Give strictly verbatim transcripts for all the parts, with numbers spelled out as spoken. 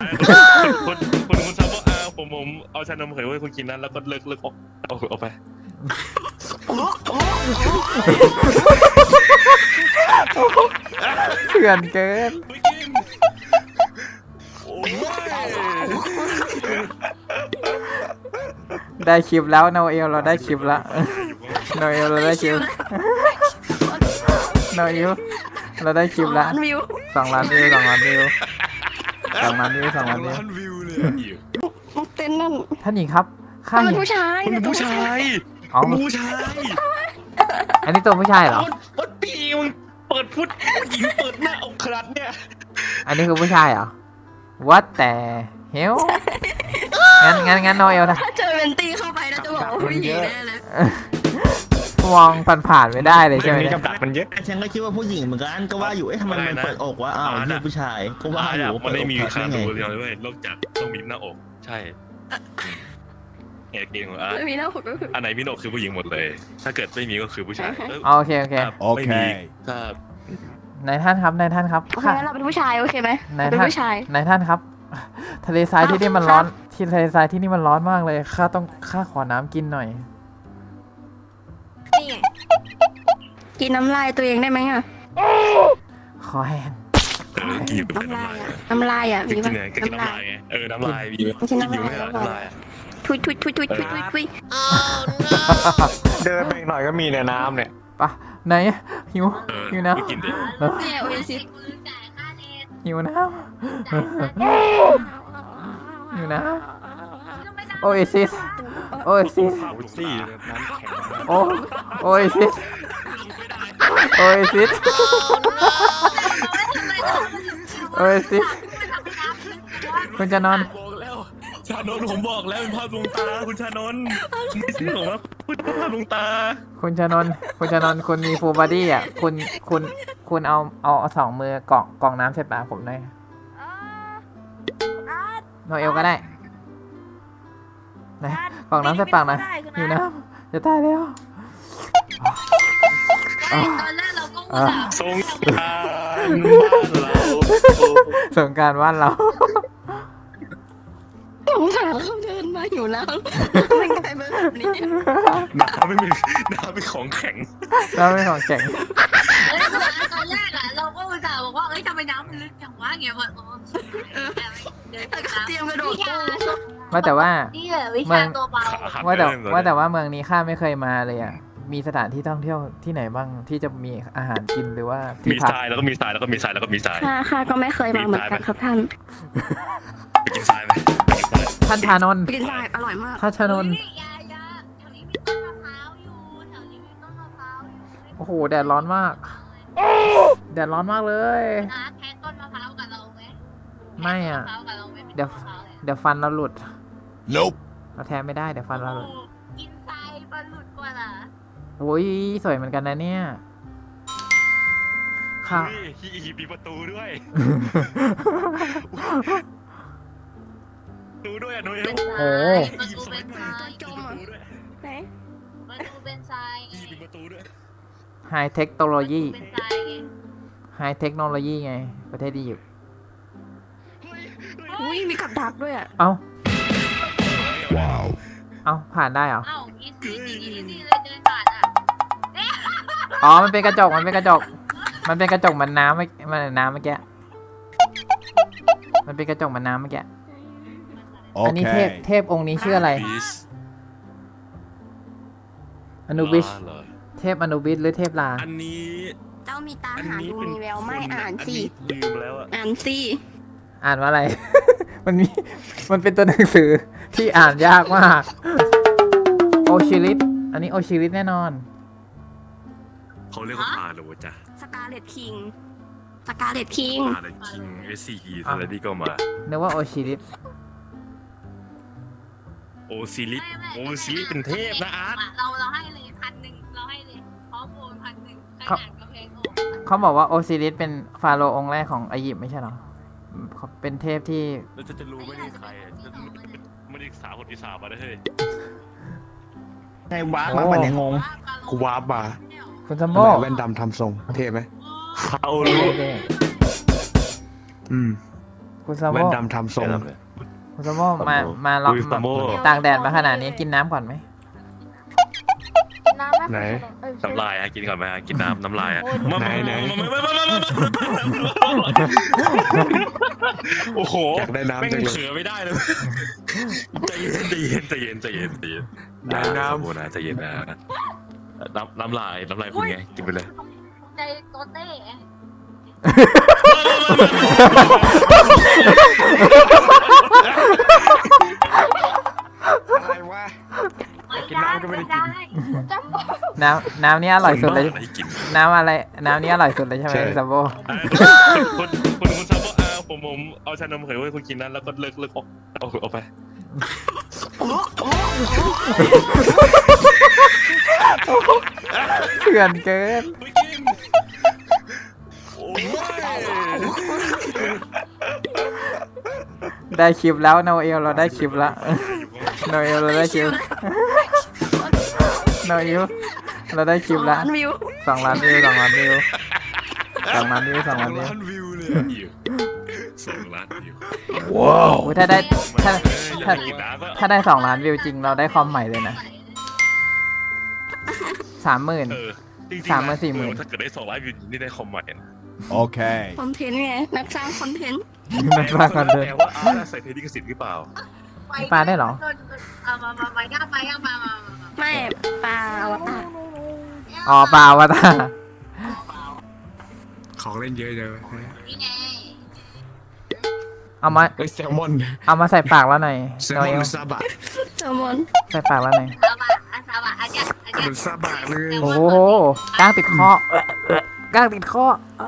คนคนคุณซับว่าอาผมผมเอาชานมไข่ไว้คุณกินนั้นแล้วก็เลิกเลิกออกเอาเอาไปเถื่อนเกินได้คลิปแล้วโนเอลเราได้คลิปแล้วโนเอลเราได้คลิปโนเอลเราได้คลิปแล้วสองล้านวิวสองล้านวิวสองล้านวิวสองล้านวิวเต้นนั่นท่านหญิงครับข้าเป็เห็นนผู้ชายเป็นผู้ชายอ๋อผู้ชายอันนี้ตัวผู้ชายเหรอวัดปีมึงเปิดพุทธหญิงเปิดหน้าอกขนาดเนี่ยอันนี้คือผู้ชายเหรอ What แต่เฮลงั้นงั้นงั้นโนเอลนะถ้าเจอเวนตี้เข้าไปแล้วจะบอกว่าผู้หญิงแน่เลยมองผ่านๆไม่ได้เลยใช่ไหมมีกับดักมันเยอะฉันก็คิดว่าผู้หญิงเหมือนกันก็ว่าอยู่เอ๊ะทำไมมันเปิดอกวะอ้าวนี่ผู้ชายก็ว่าอยู่มันไม่มีใครไงดูเลยเว้ยนอกจากต้องมีหน้าอกใช่เอกเกงของอาร์ตมีหน้าผมก็คืออันไหนมีหน้าอกคือผู้หญิงหมดเลย ถ้าเกิดไม่มีก็คือผู้ชายโอเคโอเคโอเคครับนายท่านครับนายท่านครับโอเคเราเป็นผู้ชายโอเคไหมนายเป็นท่านผู้ชายนายท่านครับ ทะเลทรายที่นี่มันร้อนที่ทะเลทรายที่นี่มันร้อนมากเลยข้าต้องข้าขอน้ำกินหน่อยนี่ไงกินน้ำลายตัวเองได้ไหมอ่ะขอแห้งเออกินน้ำลายอ่ะน้ำลายอ่ะกิมีนป่ะไงก็กินน้ำลายไงเออน้ำลายมีกินอยู่ไหมล่ะน้ำลายทุยทุยทุยทุยทุยทุยทุยเดินไปอีกหน่อยก็มีในน้ำเนี่ยปะไหนหิวเออหิวน้กินดิเนี่ยโอเอซิสำหิวน้ำหิวน้ำโอเอซิสโอเอซิสซี่น้ำแข็งโอโอเอซิสโอเอซิสโอเอซิสคุณจะนอนบอกแล้วชานนท์ผมบอกแล้วเป็นภาพลวงตาคุณชานนท์ไม่ใช่ผมว่าพูดภาพลวงตาคุณชานนท์คุณชานนท์คุณมีฟูลบอดี้อ่ะคุณคุณคุณเอาเอาเอาสองมือกล่องกล่องน้ำใส่ปากผมหน่อยโนเอลก็ได้ไหนกล่องน้ำใส่ปากหน่อยอยู่น้ำจะตายแล้วตอนแรกเราก็ว่าแบบสงกรานต์บ้านเราสงกรารบ้านเราสงสารเขาเดินมาอยู่แล้วเป็นใครแบบนี้น้ำไม่มีน้ำเป็นของแข็งเราไม่ของแข็งเอ้ยตอนแรกอะเราก็อุตส่าห์บอกว่าเอ้ยทำไมน้ำมันลึกจังวะเงี้ยแบบโอ้เดินแล้วก็เตรียมกระโดดตู้ว่าแต่ว่านี่แหละวิชาตัวเบาว่าแต่ว่าแต่ว่าเมืองนี้ข้าไม่เคยมาเลยอ่ะมีสถานที่ท่องเที่ยวที่ไหนบ้างที่จะมีอาหารกินหรือว่าที่มีพักทรายแล้วก็มีทรายแล้วก็มีทรายแล้วก็มีทรายค่ะค่ะก็ไม่เคยมาเหมือนกันครับท่านไปกินทรายไหมไปกินทรายท่านชานนท์กินได้อร่อยมากท่านชานนท์ยายาแถวนี้มีต้นมะพร้าวอยู่แถวนี้มีต้นมะพร้าวอยู่โอ้โหแดดร้อนมากแดดร้อนมากเลยนะแค่ต้นมะพร้าวกับเราไหมไม่อ่ะต้นมพร้าวกับเราไหมเป็นเดี๋ยวต้นมะพร้าวเลยเดี๋ยวฟันเราหลุด Nope เราแทนไม่ได้เดี๋ยวฟันเราหลุดกินทรายปลาหลุดกว่าล่ะโอ้ยสวยเหมือนกันนะเนี่ยค่ะเฮ้ยฮีมีประตูด้วยประตูด้วยอ่ะนุ้ยเป็นทโอ้รายประตูเป็นทรายจมอ่ะไหนประตูเป็นทรายไงฮีมีประตูด้วยไฮเทคโนโลยีเป็นทรายไงไฮเทคโนโลยีไงประเทศดีอยู่อุ้ยมีกับดักด้วยอ่ะเอ้าว้าวเอ้าผ่านได้เหรอเอ้าอีซี่อีซี่อีซี่เลยเดินผ่านอ่ะอ๋อมันเป็นกระจกมันเป็นกระจก มันเป็นกระจกเหมือนน้ำเมื่อมันน้ำเมื่อกี้มันเป็นกระจกเหมือนน้ำเมื่อกี้อันนี้เทพเทพองค์นี้ชื่ออะไรบิสอนุบิชลาเหรอเทพอนุบิชหรือเทพลาอันนี้เจ้ามีตาอันหานี้ดูเป็นมีแววไม่อ่านสิอัลืมแล้วอะอ่านสิอ่านว่าอะไร มันมีมันเป็นตัวหนังสือที่อ่านยากมากโอชิริสอันนี้โอชิริสแน่นอนเขาเรียกว่าพาโลจ้ะสกาเลตคิงสกาเลตคิงพาเลคิงเอสซีอีทอะไรนี่ก็มานึกว่าโอชิริสโอซิลิสไม่ไม่โอซิลิสเป็นเทพนะอาร์ตเราเราให้เลยพันหนึ่งเราให้เลยพร้อมโอนพันหนึ่งใครอ่านกระเพงออกเขาบอกว่าโอซิริสเป็นฟาโรห์องค์แรกของอียิปต์ไม่ใช่เหรอเขาเป็นเทพที่แล้วจะจะรู้ไม่ได้ใครอะจะไม่ได้ศึกษาคนที่สามมาได้เฮ้ยไงวะมาปันเนี่ยงงกูวาร์ปมาคุณสมทำโมไมแว่นดำทำทรงเท่ไหมเขารู้อืมคุณซาโมแว่นดำทำทรงคุณซาโมมามาลองอุ้ยแบซาบโม่ตากแดดมาขนาดนี้กินน้ำก่อนไหมน้ำไหนน้ำลายอะกินก่อนไหมอะกินน้ำน้ำลายอะไหนไหนโอ้โหอยากได้น้ำแม่งจังเลยเขือไม่ได้เลยใจเย็นใจเย็นใจเย็นใจเย็นใจเย็นไหนน้ำโอ้นะใจเย็นนะน้ำน้ำลายน้ำลายคุณไงกินไปเลยใจโตเต้อะไรวะ กินน้ำก็ไม่ได้กินน้ำน้ำนี้อร่อยสุดเลยคนบ้าอะไรกินน้ำอะไรน้ำนี้อร่อยสุดเลยใช่ไหมใช่ซาโบคุณคุณคุณซาโบอาผมผมเอาชานมไข่ไว้คุณกินนั้นแล้วก็เลิกเลิกออกเอาออกไปเถื่อนเกินไม่กินโอ้ยได้คลิปแล้วโนเอลเราได้คลิปแล้วโนเอลเราได้คลิปโนเอลเราได้คลิปแล้วล้านวิวสองล้านวิวสองล้านวิวสองล้านวิวสองล้านวิวล้านวิวเลยอยู่สองล้านอยู่อุ๊ยถ้าได้ถ้าถ้ากินน้ำก็ถ้าได้สองล้านวิวจริงเราได้คอมใหม่เลยนะสามหมื่นเออจริงๆสามหมื่นสี่หมื่นถ้าเกิดได้สองล้านวิวนี่ได้คอมใหม่นะ Okay. คอนเทนต์ไง นักสร้างคอนเทนต์นักสร้างคอนเทนต์แต่ว่าอาร์ตใส่เทดิกสิทธิ์หรือเปล่าปลาได้เหรอเอามามามาย่าไปย่ามามามาไม่ปลาอวตารอ๋อเปล่าวะตาของเล่นเยอะจังนี่ไงเอามาเอ้ยแซลมอนเอามาใส่ปากแล้วหน่อยแซลโนมอเอน ลซาบะแซลมอนใส่ปากแล้วหน่อยเอามาอาซาบะอาจารย์อาจารมันย์ซาบะเลยโอ้โหก้างติดคอเอ่อเอ่อก้างติดคอ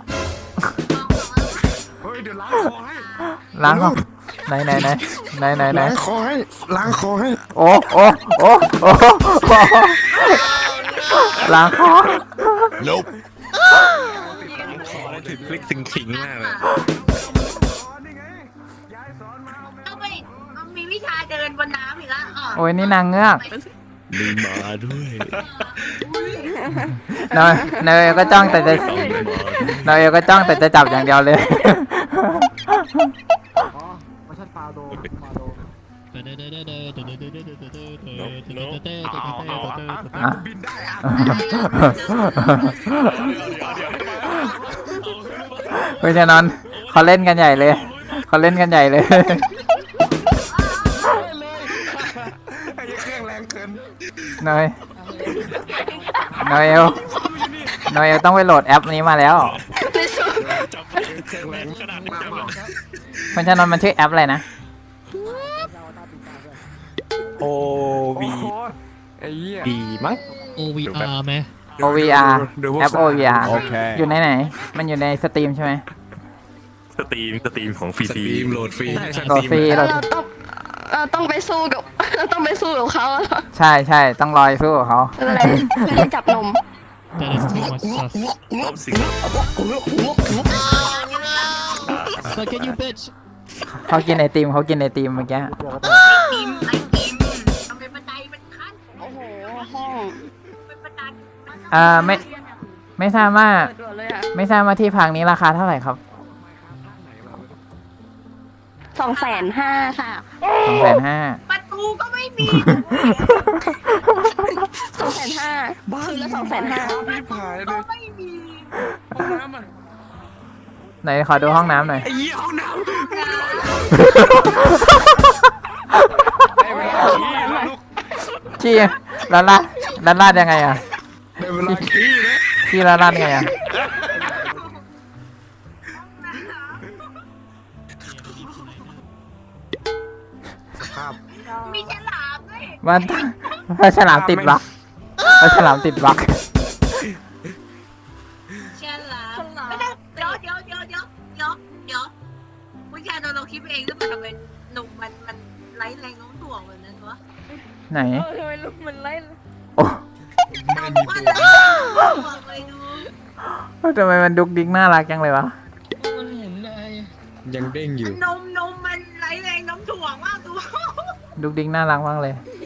เฮ้ยเดี๋ยวล้างคอให้ล้างคอไหนไหนไหนไหนไหนไหนล้างคอให้ล้างคอให้โอ้โอ้โอ้โอ้ล้างคอ Nope ถึงคลิกถึงขิงมากเลยต้องไปต้องมีวิชาเดินบนน้ำอีกแล้วอ๋อโอ้ยนี่นางเงือกมีมาด้วยเนยเนยก็จ้องแต่จะเนยก็จ้องแต่จะจับอย่างเดียวเลยบินได้อะเพราะฉะนั้นเขาเล่นกันใหญ่เลยเขาเล่นกันใหญ่เลยไอ้เครื่องแรงเกินเนยเนยเอลเนยเอลต้องไปโหลดแอปนี้มาแล้วจับเครื่องแรงขนาดนี้จับแล้วเพราะฉะนั้นมันชื่อแอปอะไรนะโอวีไอ้เหี้ยดีมั้งโอ วี อาร์ ไหมโอ วี อาร์ดูพวกแอป โอ วี อาร์โอเคอยู่ในไหน มันอยู่ในสตรีมใช่ไหมสตรีมสตรีมของฟรีสตรีมโหลดฟรีโหลดฟรีโหลเราดต้องเราต้องไปสู้กับ เราต้องไปสู้กับเขาอะใช่ใช่ต้องรอยสู้กับเขาอะไรไม่ได้จับนม That is too much sus รอบสิงห์ Suck it you bitch เขากินไอติมเขากินไอติมเมื่อกี้ไอติมไอติมทำเป็นบันไดเป็นขั้นโอ้โห ห้องเป็นบันไดอ่าไม่ไม่ทราบว่าเปิดด่วนเลยอะไม่ทราบว่าที่พักนี้ราคาเท่าไหร่ครับสองแสนห้าค่ะสองแสนห้าประตูก็ไม่มีสองแสนห้าคืนละสองแสนห้าพี่ผายเลก็ยไม่มีห้องน้ำอ่ะไหนขอดูห้องน้ำหน่อยไอ้เหี้ยห้องน้ำได้เวลาขี้แล้วลูกขี้ลาดลาดลาดลาดยังไงอ่ะได้เวลาขี้แล้วขี้ลาดลาดยังไงอ่ะสภาพมีฉลามด้วยมันปลาฉลามติดบักปลาฉลามติดบักฉลามไม่ได้เดี๋ยวเดี๋ยวเดี๋ยวเดี๋ยวเดี๋ยวเดี๋ยวผู้ชายเราเราคิดเองหรือเปล่าทำไมหนุ่มมันมันไร้แรงโน้มถ่วงแบบนั้นวะไหนเออทำไมลูกมันไล่โอ้ไม่มีว่าตัวแล้วบอกเลยดูทำไมมันดุกดิกน่ารักจังเลยวะมันเห็นได้ยังเด้งอยู่นมนมมันไร้แรงโน้มถ่วงมากดูดุกดิกน่ารักมากเลย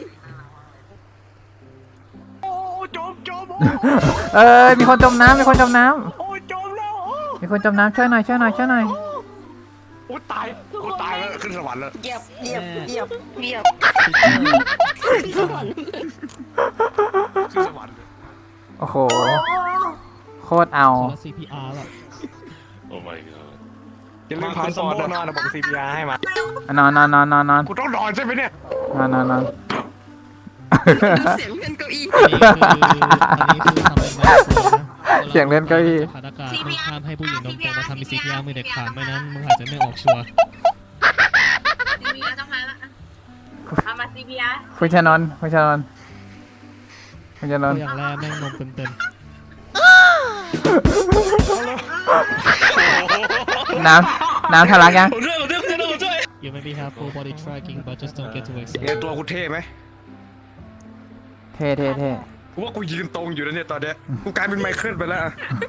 โอ้จมจมเออมีคนจมน้ำมีคนจมน้โอ้จมแล้วำมีคนจมน้ำช่วยหน่อยช่วยหน่อยช่วยหน่อยอุ้ยตายกูตายแล้วขึ้นสวรรค์แล้วเหยียบเหยียบเหยียบเหยียบ Super สวรรค์ขึ้นสวรรค์เลยโอ้โห โคตรเอาคนละ ซี พี อาร์ แบบโอ้ my god อย่าลืมพาสมอนอนนะบอกซีพีอาร์ให้มานอนนอนนอนนอนนอนกูต้องนอนใช่ไหมเนี่ยนอนนอนนอนดูเสียงเพื่อนเก้าอี้อันนี้คืออันนี้คือทำเป็นไม้สูงนะเสียงเล่นเก้าอี้ขาดอากาศมึงห้ามให้ผู้หญิงนมโตมาทำมี ซี พี อาร์ มือเด็ดขาดไม่นั้นมึงอาจจะไม่ออกชัวร์ซีพีอาร์ต้องมาละเอามาซีพีอาร์คุณชานนท์คุณชานนท์คุณชานตันวท์อย่างแรกแม่งนมเต็มน้ำน้ำทะลักยังผมช่วยผมช่วยคุณชานนท์ผมช่วยๆ You maybe have full body tracking but just don't get too ไง excited ตัวกูเท่ไหมเท่เท่เท่กูว่ากูยืนตรงอยู่แล้วเนี่ยตอนเนี้ยกูกลายเป็นไมเคิลไปแล้วอะ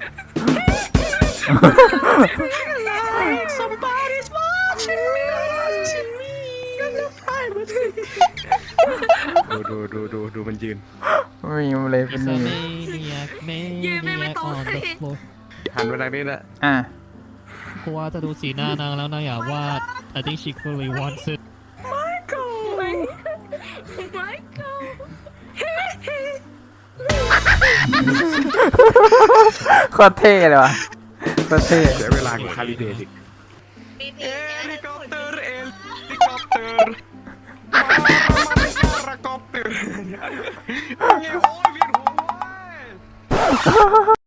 ดูดูดูดูดูมันยืนมีมันเลยเป็น It's นี่ a maniac maniac on the floor หันไปทางนี้แหละอ่ะกูว่าจะดูสีหน้านางแล้วนางอยากวาด I think she clearly wants it โคตรเท่เลยวะโคตรเท่เสียเวลากูคาลิเดตอีกปีปีเอลิคอปเตอร์เอลิคอปเตอร์มามามาคาร์คอปเตอร์โอ้ยเวียนหัวเว้ย